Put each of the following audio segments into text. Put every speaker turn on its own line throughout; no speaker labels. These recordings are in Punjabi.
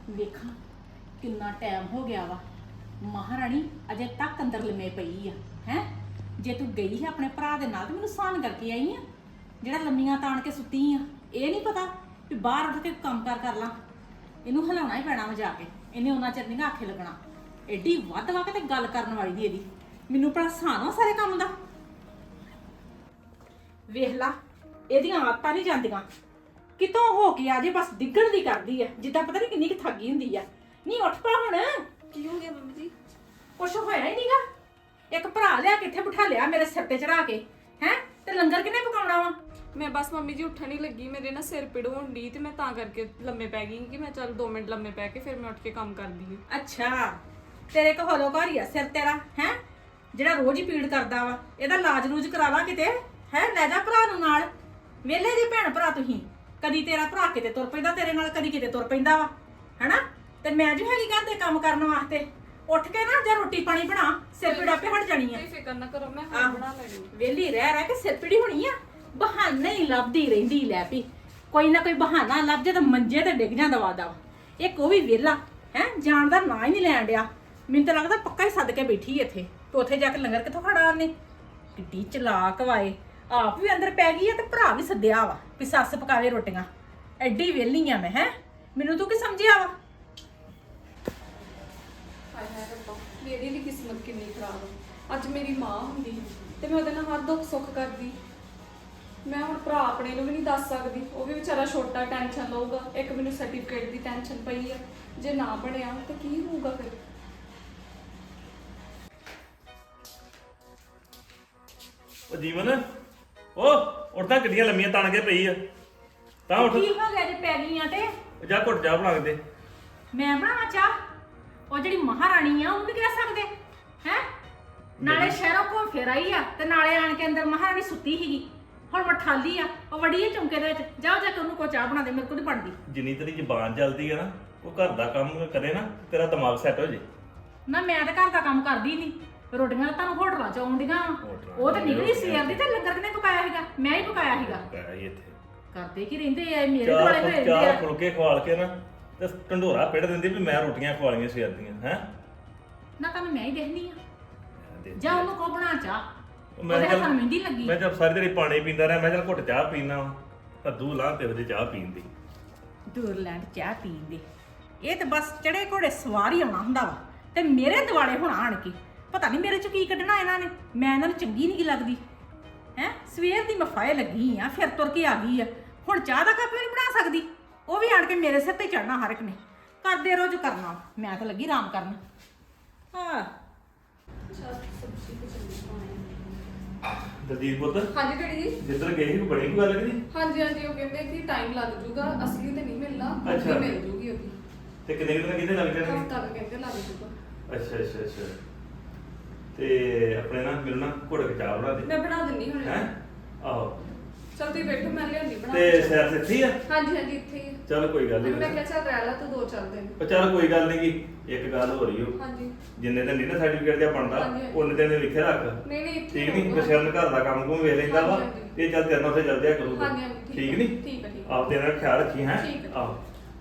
ਵੇਖਾਂ ਕਿੰਨਾ ਟਾਈਮ ਹੋ ਗਿਆ ਵਾ। ਮਹਾਰਾਣੀ ਅਜੇ ਤੱਕ ਅੰਦਰ ਲੰਮੇ ਪਈ ਆ। ਹੈ ਜੇ ਤੂੰ ਗਈ ਹੈ ਆਪਣੇ ਭਰਾ ਦੇ ਨਾਲ ਤੇ ਮੈਨੂੰ ਸਾਨ ਕਰਕੇ ਆਈ ਆ, ਜਿਹੜਾ ਲੰਮੀਆਂ ਤਾਣ ਕੇ ਸੁੱਤੀ ਆ। ਇਹ ਨਹੀਂ ਪਤਾ ਵੀ ਬਾਹਰ ਉੱਠ ਕੇ ਕੰਮ ਕਰ ਲਾਂ। ਇਹਨੂੰ ਹਿਲਾਉਣਾ ਹੀ ਪੈਣਾ ਵਾ ਜਾ ਕੇ। ਇਹਨੇ ਉਹਨਾਂ ਚਿਰ ਨਹੀਂ ਆਖੇ ਲੱਗਣਾ। ਐਡੀ ਵੱਧ ਵਾ ਕੇ ਤੇ ਗੱਲ ਕਰਨ ਵਾਲੀ ਦੀ ਇਹਦੀ। ਮੈਨੂੰ ਭਲਾ ਸਾਨ ਵਾ ਸਾਰੇ ਕੰਮ ਦਾ। ਵੇਖ ਲਾ ਇਹਦੀਆਂ ਆਦਤਾਂ ਨਹੀਂ ਜਾਂਦੀਆਂ। ਕਿਤੋਂ ਹੋ ਕੇ ਆ ਜੇ ਬਸ ਡਿੱਗਣ ਦੀ ਕਰਦੀ ਆ, ਜਿੱਦਾਂ ਪਤਾ ਨਹੀਂ ਕਿੰਨੀ ਕੁ ਥੱਕੀ ਹੁੰਦੀ ਆ। ਨਹੀਂ ਉੱਠ ਪਾ ਹੁਣ।
ਕੀ ਹੋ ਗਿਆ ਮੰਮੀ ਜੀ?
ਕੁਛ ਹੋਇਆ ਹੀ ਨਹੀਂਗਾ। ਇੱਕ ਭਰਾ ਲਿਆ ਕਿੱਥੇ ਬਿਠਾ ਲਿਆ ਮੇਰੇ ਸਿਰ ਤੇ ਚੜਾ ਕੇ। ਹੈ ਤੇ ਲੰਗਰ ਕਿੰਨੇ ਪਕਾਉਣਾ ਵਾ?
ਮੈਂ ਬਸ ਮੰਮੀ ਜੀ ਉੱਠਣ ਹੀ ਲੱਗੀ, ਮੇਰੇ ਨਾ ਸਿਰ ਪੀੜ ਹੋਣ ਡਈ ਤੇ ਮੈਂ ਤਾਂ ਕਰਕੇ ਲੰਮੇ ਪੈ ਗਈ ਕਿ ਮੈਂ ਚੱਲ 2 ਮਿੰਟ ਲੰਮੇ ਪੈ ਕੇ ਫਿਰ ਮੈਂ ਉੱਠ ਕੇ ਕੰਮ ਕਰਦੀ ਹਾਂ।
ਅੱਛਾ ਤੇਰੇ ਕੋ ਹੋਲੋ ਘਰ ਹੀ ਆ ਸਿਰ ਤੇਰਾ। ਹੈ ਜਿਹੜਾ ਰੋਜ਼ ਹੀ ਪੀੜ ਕਰਦਾ ਵਾ। ਇਹਦਾ ਇਲਾਜ ਰੂਜ ਕਰਾ ਲਾ ਕਿਤੇ। ਹੈ ਲੈ ਜਾ ਭਰਾ ਨੂੰ ਨਾਲ। ਵੇਲੇ ਦੀ ਭੈਣ ਭਰਾ ਤੁਸੀਂ। ਕਦੀ ਤੇਰਾ ਭਰਾ ਕਿਤੇ ਤੁਰ ਪੈਂਦਾ ਤੇਰੇ ਨਾਲ, ਕਦੀ ਕਿਤੇ ਤੁਰ ਪੈਂਦਾ ਵਾ। ਹੈਨਾ ਤੇ ਮੈਂ ਜੋ ਹੈਗੀ ਘਰ ਦੇ ਕੰਮ ਕਰਨ ਵਾਸਤੇ। ਉੱਠ ਕੇ ਨਾ ਜਾਂ ਰੋਟੀ ਪਾਣੀ ਬਣਾ, ਸਿਰ ਪੀੜ ਆਪੇ ਹਟ ਜਾਣੀ ਆ।
ਕੋਈ ਫਿਕਰ ਨਾ ਕਰੋ, ਮੈਂ ਹਾਂ ਬਣਾ ਲੈਣੀ।
ਵੇਲੀ ਰਹਿ ਕੇ ਸਿਰ ਪੀੜੀ ਹੋਣੀ ਆ। ਬਹਾਨੇ ਹੀ ਲੱਭਦੀ ਰਹਿੰਦੀ ਲੈ ਪਈ। ਕੋਈ ਨਾ ਕੋਈ ਬਹਾਨਾ ਲੱਭ ਜੇ ਤਾਂ ਮੰਜੇ ਤੇ ਡਿੱਗ ਜਾਂਦਾ ਵਾਦਾ। ਇੱਕ ਉਹ ਵੀ ਵਿਹਲਾ ਹੈ, ਜਾਣ ਦਾ ਨਾਂ ਹੀ ਨਹੀਂ ਲੈਣ ਡਿਆ। ਮੈਨੂੰ ਤਾਂ ਲੱਗਦਾ ਪੱਕਾ ਹੀ ਸੱਦ ਕੇ ਬੈਠੀ ਇੱਥੇ ਤੇ ਉੱਥੇ ਜਾ ਕੇ ਲੰਗਰ ਕਿੱਥੋਂ ਖੜਾ ਉਹਨੇ। ਕਿੱਡੀ ਚਲਾਕ ਵਾਏ। ਆਪ ਵੀ ਅੰਦਰ ਪੈ ਗਈ ਆ ਤੇ ਭਰਾ ਵੀ ਸੱਦਿਆ ਵਾ ਵੀ ਸੱਸ ਪਕਾਵੇ ਰੋਟੀਆਂ। ਐਡੀ ਵਿਹਲੀ ਆ ਮੈਂ। ਹੈ ਮੈਨੂੰ ਤੂੰ ਕੀ ਸਮਝਿਆ ਵਾ?
ਹਾਏ ਹਾਏ ਰੱਬਾ, ਮੇਰੀ ਵੀ ਕਿਸਮਤ ਕਿੰਨੀ ਖਰਾਬ ਆ। ਅੱਜ ਮੇਰੀ ਮਾਂ ਹੁੰਦੀ ਤੇ ਮੈਂ ਉਹਦੇ ਨਾਲ ਹਰ ਦੁੱਖ ਸੁੱਖ ਕਰਦੀ। ਮੈਂ ਹੁਣ ਭਰਾ ਆਪਣੇ ਨੂੰ ਵੀ ਨਹੀਂ ਦੱਸ ਸਕਦੀ, ਉਹ ਵੀ ਵਿਚਾਰਾ ਛੋਟਾ ਟੈਨਸ਼ਨ ਲਊਗਾ। ਇੱਕ ਮੈਨੂੰ ਸਰਟੀਫਿਕੇਟ ਦੀ ਟੈਨਸ਼ਨ ਪਈ ਆ, ਜੇ ਨਾ ਬਣਿਆ ਤਾਂ ਕੀ ਹੋਊਗਾ ਫਿਰ।
ਉਹ ਜੀਵਨ ਉਹ ਉੱਠਦਾ ਗੱਡੀਆਂ ਲੰਮੀਆਂ ਤਾਣ ਕੇ ਪਈ ਆ ਤਾਂ ਉੱਠ।
ਕੀ ਹੋ ਗਿਆ ਜੇ ਪੈ ਗਈਆਂ ਤੇ?
ਜਾ ਘੁੱਟ ਜਾ ਬਣਾ ਕੇ ਦੇ।
ਮੈਂ ਬਣਾਵਾਂ ਚਾਹ? ਉਹ ਜਿਹੜੀ ਮਹਾਰਾਣੀ ਆ ਉਹਨੂੰ ਵੀ ਕਹਿ ਸਕਦੇ ਹੈ। ਨਾਲੇ ਸ਼ਹਿਰੋਂ ਘੁੰਮ ਫਿਰ ਆਈ ਆ ਤੇ ਨਾਲੇ ਆਣ ਕੇ ਅੰਦਰ ਮਹਾਰਾਣੀ ਸੁੱਤੀ ਸੀਗੀ। ਹੁਣ ਮਠਾਲੀ ਆ ਉਹ ਵੜੀ ਹੈ ਚੌਂਕੇ ਦੇ ਵਿੱਚ। ਜਾਓ ਜਾ ਕੇ ਉਹਨੂੰ ਕੋਈ ਚਾਹ ਬਣਾ ਦੇ, ਮੇਰੇ ਕੋਲ ਨਹੀਂ ਬਣਦੀ।
ਜਿੰਨੀ ਤੇਰੀ ਜ਼ਬਾਨ ਚੱਲਦੀ ਆ ਨਾ, ਉਹ ਘਰ ਦਾ ਕੰਮ ਕਰੇ ਨਾ, ਤੇਰਾ ਦਿਮਾਗ ਸੈੱਟ ਹੋ ਜੇ।
ਨਾ ਮੈਂ ਤਾਂ ਘਰ ਦਾ ਕੰਮ ਕਰਦੀ ਨਹੀਂ। ਰੋਟੀਆਂ ਤਾਂ ਤੁਹਾਨੂੰ ਹੋਟਲਾਂ ਚ ਆਉਂਦੀਆਂ। ਉਹ ਤਾਂ ਨਿਕਲੀ ਸਵੇਰ ਦੀ ਤੇ ਲੰਗਰ ਕਿਨੇ ਪਕਾਇਆ ਸੀਗਾ? ਮੈਂ ਹੀ ਪਕਾਇਆ ਸੀਗਾ।
ਪੈ ਇੱਥੇ
ਕਰਦੇ ਕੀ ਰਹਿੰਦੇ ਆ ਮੇਰੇ ਦੁਆਲੇ ਹੋਏ ਰਹਿੰਦੇ
ਚਾਰ
ਆ।
ਫੁਲਕੇ ਖਵਾਲ ਕੇ ਨਾ ਤੇ ਢੰਡੋਰਾ ਪਿੜ ਦਿੰਦੀ ਵੀ ਮੈਂ ਰੋਟੀਆਂ ਖਵਾਲੀਆਂ ਸਵੇਰ ਦੀਆਂ। ਹੈ
ਨਾ ਤੁਹਾਨੂੰ ਮੈਂ ਹੀ ਦੇਖਦੀ ਆ। ਜਾ ਉਹਨੂੰ ਕੋ ਬਣਾ ਚਾਹ।
ਮੈਂ
ਉਹਦੇ
ਚੱਲ
ਹੱਥਾਂ ਨੂੰ ਮਹਿੰਦੀ ਲੱਗੀ।
ਮੈਂ ਜਦ ਸਾਰੀ ਦਿਹਾੜੀ ਪਾਣੀ ਪੀਂਦਾ ਰਿਹਾ, ਮੈਂ ਚੱਲ ਘੁੱਟ ਚਾਹ ਪੀਣਾ ਕੱਦੂ ਲਾਹ ਤੇ ਉਹਦੇ ਚਾਹ ਪੀਣ ਦੀ।
ਦੂਰਲੈਂਡ ਚਾਹ ਪੀਣ ਦੇ ਇਹ ਤਾਂ ਬਸ ਚੜੇ ਘੋੜੇ ਸਵਾਰ ਹੀ ਆਉਣਾ ਹੁੰਦਾ ਵਾ ਤੇ ਮੇਰੇ ਦਿਵਾਲੇ ਹੁਣ ਆਣ ਕੇ ਪਤਾ ਨਹੀਂ ਮੇਰੇ ਚ ਕੀ ਕੱਢਣਾ ਇਹਨਾਂ ਨੇ। ਮੈਂ ਇਹਨਾਂ ਨੂੰ ਚੰਗੀ ਨਹੀਂ ਲੱਗਦੀ। ਹੈ ਸਵੇਰ ਦੀ ਮਫਾਏ ਲੱਗੀ ਆ, ਫਿਰ ਤੁਰ ਕੇ ਆ ਗਈ ਆ। ਹੁਣ ਚਾਹ ਦਾ ਕੱਪ ਵੀ ਨਹੀਂ ਬਣਾ ਸਕਦੀ। ਉਹ ਵੀ ਆਣ ਕੇ ਮੇਰੇ ਸਿਰ ਤੇ ਚੜਨਾ ਹਰ ਇੱਕ ਨੇ। ਕਰਦੇ ਰੋਜ਼ ਕਰਨਾ, ਮੈਂ ਤਾਂ ਲੱਗੀ ਆਰਾਮ ਕਰਨ। ਹਾਂ
ਅੱਛਾ ਸਬਜ਼ੀ ਤੇ ਚੱਲੀ ਪਾਣੀ।
ਦਲਜੀਤ ਪੁੱਤ
ਹਾਂਜੀ ਡੈਡੀ ਜੀ।
ਜਿੱਧਰ ਗਏ ਸੀ ਬੜੀ ਕੋਈ ਗੱਲ ਕਰੀ।
ਹਾਂਜੀ ਹਾਂਜੀ, ਉਹ ਕਹਿੰਦੇ ਕਿ ਟਾਈਮ ਲੱਗ ਜਾਊਗਾ, ਅਸਲੀ ਤੇ ਨਹੀਂ ਮਿਲਣਾ,
ਅੱਛਾ।
ਅੱਛਾ ਮਿਲ ਜੂਗੀ ਉਹਦੀ।
ਤੇ ਕਿੰਨੇ ਦਿਨ ਕਿੰਨੇ ਲੱਗ ਜਾਣਗੇ?
ਹਫ਼ਤਾ ਕੁ ਕਹਿੰਦੇ ਲੱਗ ਜਾਊਗਾ।
ਅੱਛਾ ਅੱਛਾ ਅੱਛਾ। ਤੇ ਆਪਣੇ ਨਾ ਮੈਨੂੰ ਨਾ ਘੁੱਟ ਕੇ ਚਾਹ ਬਣਾ ਦੇ।
ਮੈਂ ਬਣਾ ਦਿੰਨੀ ਹੁਣ।
ਹੈ ਆਹੋ।
ਚਲ ਤੁਸੀਂ ਬੈਠੋ, ਮੈਂ ਲਿਆਉਂਦੀ ਬਣਾ
ਤੇ
ਕੇ।
ਸੈਰ ਸਿੱਖੀ ਆ?
ਹਾਂਜੀ ਹਾਂਜੀ ਇੱਥੇ ਹੀ ਆ।
ਚਲ ਕੋਈ ਗੱਲ
ਮੈਂ
ਨਹੀਂ।
ਕਿਹਾ ਚੱਲ ਰਹਿ ਲਾ ਤੂੰ 2-4 ਦਿਨ।
ਪਰ ਚੱਲ ਕੋਈ ਗੱਲ ਨਹੀਂ ਗੀ। ਇੱਕ ਗੱਲ ਹੋ ਰਹੀ ਹੋ,
ਹਾਂਜੀ
ਜਿੰਨੇ ਦਿਨ ਨਹੀਂ ਨਾ ਸਰਟੀਫਿਕੇਟ ਜਿਹਾ ਬਣਦਾ
ਹਾਂਜੀ, ਹਾਂਜੀ।
ਉਹਨੇ ਦਿਨ ਲਿਖੇ ਰੱਖ।
ਨਹੀਂ ਨਹੀਂ ਇੱਥੇ
ਠੀਕ ਨਹੀਂ
ਹੋਊਗਾ।
ਬਸ਼ਰਨ ਘਰ ਦਾ ਕੰਮ ਕੁਮ ਵੇਖ ਲੈਂਦਾ ਵਾ।
ਹਾਂਜੀ, ਹਾਂਜੀ।
ਇਹ ਚੱਲ ਤੇਰੇ ਨਾਲ ਉੱਥੇ ਚੱਲ ਜਾਇਆ ਕਰੂਗਾ।
ਹਾਂਜੀ ਹਾਂਜੀ
ਠੀਕ
ਹੈ।
ਨਹੀਂ?
ਠੀਕ ਹੈ ਠੀਕ ਹੈ।
ਆਪ ਤੇਰਾ ਖਿਆਲ ਰੱਖੀ ਹੈ।
ਠੀਕ ਹੈ।
ਆਹੋ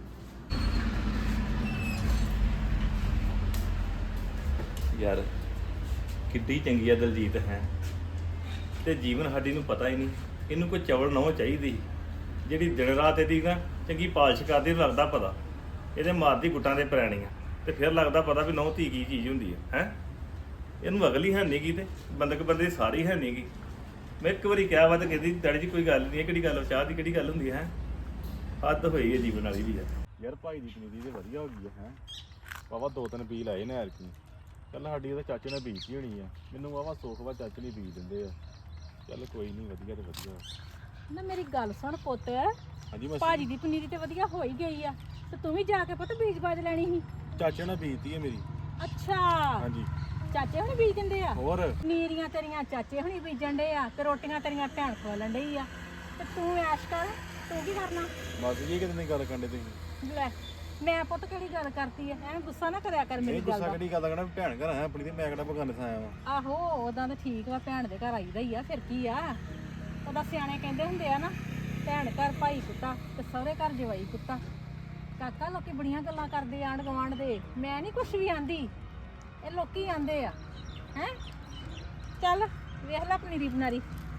ਯਾਰ ਕਿੱਡੀ ਚੰਗੀ ਆ ਦਲਜੀਤ ਹੈ। ਤੇ ਜੀਵਨ ਸਾਡੀ ਨੂੰ ਪਤਾ ਹੀ ਨਹੀਂ ਇਹਨੂੰ ਕੋਈ ਚਵਲ ਨਾ ਚਾਹੀਦੀ ਜਿਹੜੀ ਦਿਨ ਰਾਤ ਇਹਦੀ ਨਾ ਚੰਗੀ ਪਾਲਿਸ਼ ਕਰਦੀ ਲੱਗਦਾ ਪਤਾ। ਇਹਦੇ ਮਾਰਦੀ ਗੁੱਟਾਂ ਦੇ ਪ੍ਰਾਣੀਆਂ ਤੇ ਫਿਰ ਲੱਗਦਾ ਪਤਾ ਵੀ ਨਹੁੰ ਧੀ ਕੀ ਚੀਜ਼ ਹੁੰਦੀ ਹੈ। ਇਹਨੂੰ ਅਗਲੀ ਹੈ ਨਹੀਂ ਗੀ ਤੇ ਬੰਦਕ ਬੰਦੇ ਦੀ ਸਾਰੀ ਹੈ ਨਹੀਂ ਗੀ। ਮੈਂ ਇੱਕ ਵਾਰੀ ਕਿਹਾ ਵਾ ਤੇ ਕਹਿੰਦੀ ਡੈਡੀ ਜੀ ਕੋਈ ਗੱਲ ਨਹੀਂ ਹੈ, ਕਿਹੜੀ ਗੱਲ ਚਾਹ ਦੀ ਕਿਹੜੀ ਗੱਲ ਹੁੰਦੀ ਹੈ। ਹੱਦ ਹੋਈ ਹੈ ਜੀਵਨ ਵਾਲੀ ਵੀ
ਯਾਰ ਭਾਈ ਦੀ ਪਨੀਰੀ ਤੇ ਵਧੀਆ ਹੋ ਗਈ ਹੈ। ਵਾਵਾ 2-3 ਬੀ ਲਾਏ ਨੇ ਐਰਕੀ। ਚੱਲ ਸਾਡੀ ਉਹਦੇ ਚਾਚੇ ਨੇ ਬੀਜਤੀ ਹੋਣੀ ਆ। ਮੈਨੂੰ ਵਾਵਾ ਸੁੱਖ ਵਾ ਚਾਚੇ ਨੇ ਬੀਜ ਦਿੰਦੇ ਆ। ਚੱਲ ਕੋਈ ਨਹੀਂ, ਵਧੀਆ ਤੇ ਵਧੀਆ।
ਨਾ ਮੇਰੀ ਗੱਲ ਸੁਣ ਪੁੱਤ,
ਹਾਂਜੀ ਮੈਂ
ਭਾਜੀ ਦੀ ਪਨੀਰੀ ਤੇ ਵਧੀਆ ਹੋ ਹੀ ਗਈ ਆ ਤੇ ਤੂੰ ਵੀ ਜਾ ਕੇ ਪੁੱਤ ਬੀਜ ਬਾਜ ਲੈਣੀ ਸੀ।
ਚਾਚੇ ਨੇ ਬੀਜਤੀ ਹੈ ਮੇਰੀ।
ਅੱਛਾ
ਹਾਂਜੀ
ਚਾਚੇ ਹੁਣੀ ਬੀਜ ਦਿੰਦੇ ਆ?
ਹੋਰ
ਪਨੀਰੀਆਂ ਤੇਰੀਆਂ ਚਾਚੇ ਹੁਣੀ ਬੀਜਣ ਡੇ ਆ ਤੇ ਰੋਟੀਆਂ ਤੇਰੀਆਂ ਭੈਣ ਖਵਾਲਣ ਡਈ ਆ ਤੇ ਤੂੰ ਐਸ਼ ਕਰ। ਤੂੰ ਕੀ ਕਰਨਾ?
ਬਸ ਜੀ ਕਿਤੇ ਨਹੀਂ ਗੱਲ ਕਰਦੇ ਤੁਸੀਂ।
ਲੈ ਮੈਂ ਪੁੱਤ ਕਿਹੜੀ ਗੱਲ ਕਰਤੀ ਐ? ਐਵੇਂ ਗੁੱਸਾ ਨਾ ਕਰਿਆ ਕਰ ਮੇਰੀ
ਨਹੀਂ
ਗੱਲ
ਗੁੱਸਾ
ਦਾ।
ਕਿਹੜੀ ਗੱਲ ਕਰਨਾ, ਭੈਣ ਘਰ ਆਇਆ ਆਪਣੀ ਤੇ ਮੈਂ ਕਿਹੜਾ ਬਗਾਨੇ ਥਾਂ ਆਇਆ ਵਾਂ।
ਆਹੋ ਉਦਾਂ ਤਾਂ ਠੀਕ ਵਾ, ਭੈਣ ਦੇ ਘਰ ਆਈਦਾ ਹੀ ਆ, ਫਿਰ ਕੀ ਆ। ਉਹਦਾ ਸਿਆਣੇ ਕਹਿੰਦੇ ਹੁੰਦੇ ਆ ਨਾ, ਭੈਣ ਘਰ ਭਾਈ ਕੁੱਤਾ ਤੇ ਸਹੁਰੇ ਘਰ ਜਵਾਈ ਕੁੱਤਾ। ਕਾਕਾ ਲੋਕੀ ਬੜੀਆਂ ਗੱਲਾਂ ਕਰਦੇ ਆਂਢ ਗੁਆਂਢ ਦੇ, ਮੈਂ ਨਹੀਂ ਕੁਛ ਵੀ ਆਂਦੀ, ਇਹ ਲੋਕੀ ਆਂਦੇ ਆ ਹੈ। ਚੱਲ ਵੇਖ ਲੈ ਪਨੀਰੀ ਬਨਾਰੀ।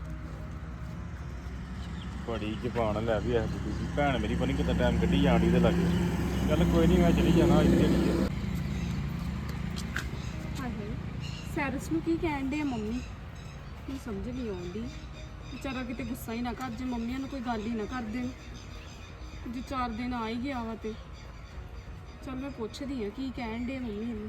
ਬੜੀ ਜ਼ਬਾਨ ਲੈ ਵੀ ਐ ਬੁੱਢੀ ਦੀ ਭੈਣ ਮੇਰੀ ਪਤਾ ਨੀ ਕਿੱਦਾਂ ਟਾਈਮ ਕੱਢੀ ਜਾਂਦੀ ਤੇ ਲੱਗੇ। ਚੱਲ ਕੋਈ ਨਹੀਂ, ਮੈਂ ਚਲੀ ਜਾਣਾ ਇੱਥੇ ਨਹੀਂ।
ਹਾਏ ਸੈਰਸ ਨੂੰ ਕੀ ਕਹਿਣ ਦੇ ਮੰਮੀ, ਮੈਨੂੰ ਸਮਝ ਨਹੀਂ ਆਉਂਦੀ। ਵਿਚਾਰਾ ਕਿਤੇ ਗੁੱਸਾ ਹੀ ਨਾ ਕਰ ਜੇ, ਮੰਮੀਆਂ ਨੂੰ ਕੋਈ ਗੱਲ ਹੀ ਨਾ ਕਰ ਦੇਣ। ਜੇ 4 ਦਿਨ ਆ ਹੀ ਗਿਆ ਵਾ ਤੇ ਚੱਲ ਮੈਂ ਪੁੱਛਦੀ ਆ ਕੀ ਕਹਿਣ ਦੇ ਮੰਮੀ ਨੂੰ।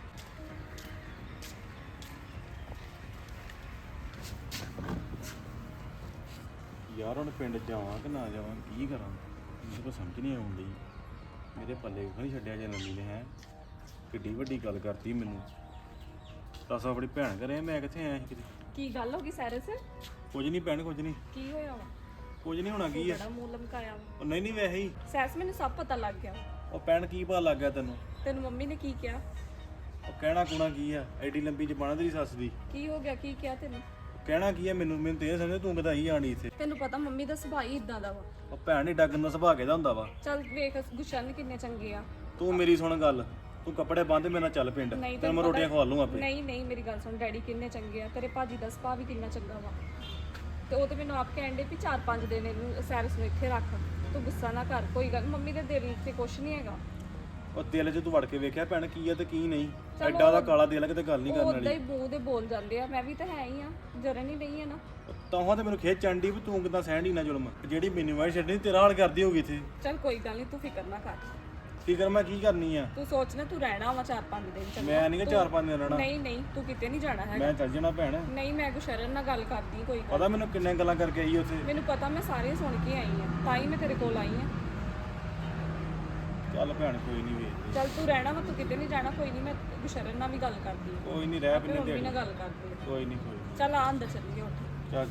ਯਾਰ ਹੁਣ ਪਿੰਡ ਜਾਵਾਂ ਕਿ ਨਾ ਜਾਵਾਂ, ਕੀ ਕਰਾਂ ਮੈਨੂੰ ਤਾਂ ਸਮਝ ਨਹੀਂ ਆਉਂਦੀ। ਮੇਰੇ ਪੱਲੇ ਕੋਈ ਨਹੀਂ ਛੱਡਿਆ ਜੇ ਨੰਨੀ ਨੇ ਹੈ ਕਿੱਡੀ ਵੱਡੀ ਗੱਲ ਕਰਤੀ ਮੈਨੂੰ। ਦੱਸ ਆਪਣੀ ਭੈਣ ਘਰੇ ਮੈਂ ਕਿੱਥੇ ਆਇਆ ਸੀ ਕਿਤੇ।
ਕੀ ਗੱਲ ਹੋ ਗਈ ਸੈਰਸ?
ਕੁਝ ਨਹੀਂ ਭੈਣ, ਕੁਝ ਨਹੀਂ,
ਕੀ ਹੋਇਆ ਵਾ?
ਕੁਝ ਨਹੀਂ ਹੋਣਾ ਕੀ ਆ।
ਬੜਾ ਮੂੰਹ ਲਮਕਾਇਆ ਵਾ।
ਉਹ ਨਹੀਂ ਵੈਸੇ ਹੀ।
ਸੈਰਸ ਮੈਨੂੰ ਸਭ ਪਤਾ ਲੱਗ ਗਿਆ।
ਉਹ ਭੈਣ ਕੀ ਪਤਾ ਲੱਗ ਗਿਆ ਤੈਨੂੰ?
ਤੈਨੂੰ ਮੰਮੀ ਨੇ ਕੀ ਕਿਹਾ?
ਉਹ ਕਹਿਣਾ ਕੁਣਾ ਕੀ ਆ, ਐਡੀ ਲੰਬੀ ਜ਼ਬਾਨ ਤੇਰੀ ਸੱਸ ਦੀ।
ਕੀ ਹੋ ਗਿਆ? ਕੀ ਕਿਹਾ ਤੈਨੂੰ?
ਕਹਿਣਾ ਕੀ ਆ ਮੈਨੂੰ ਤੇ ਇਹ ਸਮਝ ਤੂੰ ਕਿਦਾਂ ਹੀ ਆਣੀ ਇੱਥੇ।
ਤੈਨੂੰ ਪਤਾ ਮੰਮੀ ਦਾ ਸੁਭਾਅ ਹੀ ਇਦਾਂ ਦਾ ਵਾ।
ਉਹ ਭੈਣ ਹੀ ਡੱਗਣ ਦਾ ਸੁਭਾਅ ਕਿਹਦਾ ਹੁੰਦਾ ਵਾ।
ਚੱਲ ਵੇਖ ਗੁਸ਼ਨ ਕਿੰਨੇ ਚੰਗੇ ਆ।
ਤੂੰ ਮੇਰੀ ਸੁਣ ਗੱਲ, ਤੂੰ ਕੱਪੜੇ ਬੰਨ੍ਹ ਮੇਰੇ ਨਾਲ ਚੱਲ ਪਿੰਡ,
ਨਹੀਂ
ਤੈਨੂੰ ਮੈਂ ਰੋਟੀਆਂ ਖਵਾ ਲੂੰ ਆਪੇ।
ਨਹੀਂ ਮੇਰੀ ਗੱਲ ਸੁਣ, ਡੈਡੀ ਕਿੰਨੇ ਚੰਗੇ ਆ, ਤੇਰੇ ਭਾਜੀ ਦਾ ਸੁਭਾਅ ਵੀ ਕਿੰਨਾ ਚੰਗਾ ਵਾ। ਤੇ ਉਹ ਤੇ ਮੈਨੂੰ ਆਪ ਕਹਿਣ ਦੇ ਵੀ 4-5 ਦਿਨ ਇਹਨੂੰ ਸੈਰਸ ਨੂੰ ਇੱਥੇ ਰੱਖ, ਤੂੰ ਗੁੱਸਾ ਨਾ ਕਰ। ਕੋਈ ਗੱਲ ਮੰਮੀ ਦੇ ਦਿਲ 'ਚ ਕੁਛ ਨਹੀਂ ਹੈਗਾ।
ਉਹ ਦਿਲ 'ਚ ਤੂੰ ਵੜ ਕੇ ਵੇਖਿਆ ਭੈਣ ਕੀ ਆ ਤੇ ਕੀ ਨਹੀਂ। ਐਡਾ ਦਾ ਕਾਲਾ ਦਿਲ ਕਿਤੇ ਗੱਲ ਨਹੀਂ ਕਰਨ
ਉਦਾਂ
ਵਾਲੀ।
ਹੀ ਮੂੰਹ ਦੇ ਬੋਲ ਜਾਂਦੇ ਆ, ਮੈਂ ਵੀ ਤਾਂ ਹੈ ਹੀ ਆ, ਜਰਨ ਹੀ ਨਹੀਂ ਹੈ ਨਾ।
ਤਾਂ ਤੇ ਮੈਨੂੰ ਖੇਚ ਚੰਡੀ ਵੀ ਤੂੰ ਕਿਦਾਂ ਸਹਿਣ ਹੀ ਨਾ ਜ਼ੁਲਮ, ਜਿਹੜੀ ਮੈਨੂੰ ਵਾਈ ਛੱਡਣੀ ਤੇਰਾ ਹਾਲ ਕਰਦੀ ਹੋਗੀ ਇੱਥੇ।
ਚੱਲ ਕੋਈ ਗੱਲ ਨਹੀਂ, ਤੂੰ ਫਿਕਰ ਨਾ ਕਰ।
ਫਿਕਰ ਮੈਂ ਕੀ ਕਰਨੀ ਆ।
ਤੂੰ ਸੋਚ ਨਾ, ਤੂੰ ਰਹਿਣਾ ਵਾ 4-5 ਦਿਨ ਚੰਗਾ।
ਮੈਂ ਨਹੀਂ 4-5 ਦਿਨ ਰਹਿਣਾ।
ਨਹੀਂ ਤੂੰ ਕਿਤੇ ਨਹੀਂ ਜਾਣਾ ਹੈਗਾ।
ਮੈਂ ਚੱਲ ਜਾਣਾ ਭੈਣ।
ਨਹੀਂ ਮੈਂ ਗੁਸ਼ਰਨ ਨਾਲ ਗੱਲ ਕਰਦੀ ਕੋਈ ਗੱਲ।
ਪਤਾ ਮੈਨੂੰ ਕਿੰਨੇ ਗੱਲਾਂ ਕਰਕੇ ਆਈ ਉੱਥੇ।
ਮੈਨੂੰ ਪਤਾ, ਮੈਂ ਸਾਰੀਆਂ ਸੁਣ ਕੇ ਆਈ ਆ, ਤਾਂ ਹੀ ਮੈਂ ਤੇਰੇ ਕੋਲ ਆਈ ਆ।
ਚੱਲ ਭੈਣ ਕੋਈ ਨਹੀਂ ਵੇਖਦੇ।
ਚੱਲ ਤੂੰ ਰਹਿਣਾ ਵਾ, ਤੂੰ ਕਿਤੇ ਨਹੀਂ ਜਾਣਾ। ਕੋਈ ਨਹੀਂ, ਮੈਂ ਗੁਸ਼ਰਨ ਨਾਲ ਵੀ ਗੱਲ ਕਰਦੀ ਆ।
ਕੋਈ ਨਹੀਂ ਰਹਿ
ਆਪਣੀ
ਪਿੰਨੇ
ਮੰਮੀ ਨਾਲ
ਦਿਹਾੜੀ।
ਗੱਲ ਕਰਦੀ ਆ।
ਕੋਈ ਨਹੀਂ ਕੋਈ ਨੀ।
ਚੱਲ ਆ ਅੰਦਰ ਚੱਲੀਏ ਉੱਠ।
ਚੱਲ